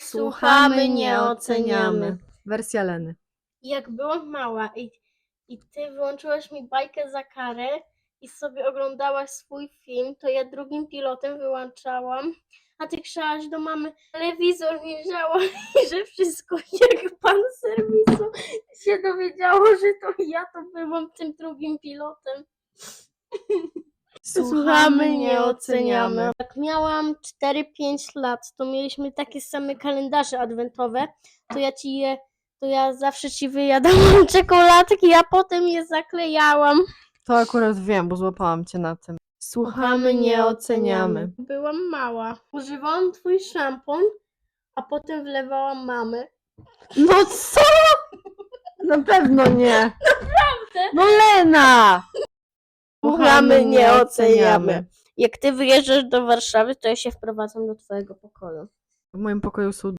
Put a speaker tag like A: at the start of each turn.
A: Słuchamy, nie oceniamy.
B: Wersja Leny.
A: Jak byłam mała i ty wyłączyłaś mi bajkę za karę i sobie oglądałaś swój film, to ja drugim pilotem wyłączałam, a ty krzykałaś do mamy, telewizor nie działa i że wszystko jak pan z serwisu się dowiedziało, że to ja to byłam tym drugim pilotem. Słuchamy, nie oceniamy. Jak miałam 4-5 lat, to mieliśmy takie same kalendarze adwentowe, to ja zawsze ci wyjadałam czekoladki, a potem je zaklejałam.
B: To akurat wiem, bo złapałam cię na tym. Słuchamy, nie oceniamy.
A: Byłam mała. Używałam twój szampon, a potem wlewałam mamy.
B: No co? Na pewno nie. Naprawdę? No Lena!
A: Słuchamy, nie oceniamy. Jak ty wyjeżdżasz do Warszawy, to ja się wprowadzam do twojego pokoju.
B: W moim pokoju są